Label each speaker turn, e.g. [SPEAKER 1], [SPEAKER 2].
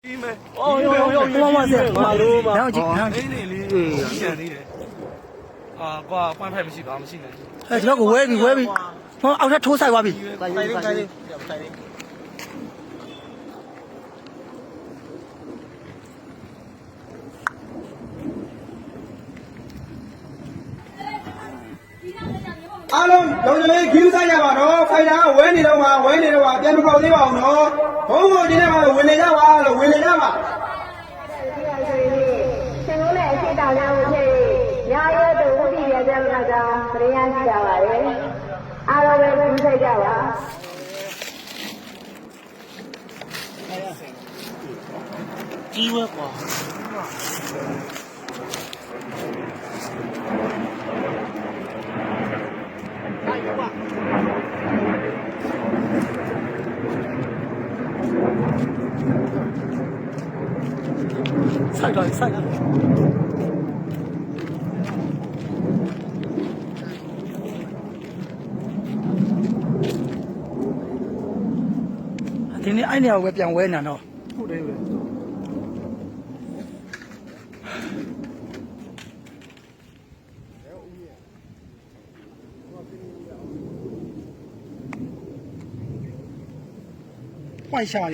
[SPEAKER 1] 哦哟，哇塞，马路嘛，然后
[SPEAKER 2] 啊，挂换派不去吧，不去呢。
[SPEAKER 1] 哎，这个歪比，我奥特抽赛歪比，
[SPEAKER 2] 快点。
[SPEAKER 3] အားလုံးလုံးလေးခီးစားကြပါတော့ဖိုင်တာဝဲနေတော့မှပြန်မပေါက်သေးပါဘူးနော်ဘုံဘုံဒီနေ့မှဝင်နေကြပါလို့ဝင်နေကြပါ
[SPEAKER 4] ရှင်တို့လည်းအရှိတောင်ကြောင့်ဖြစ်ညာရဲတို့ဝိရိယကြမနာကြောင့်ပရိယရှိကြပါရဲ့အားလုံးပဲပြုစိတ်ကြပါ
[SPEAKER 1] 鸡歪瓜。晒了。ဒီနေ့အဲ့နေရာကိုပဲပြန်ဝဲနေတော့ဟုတ်တယ်ပဲ换下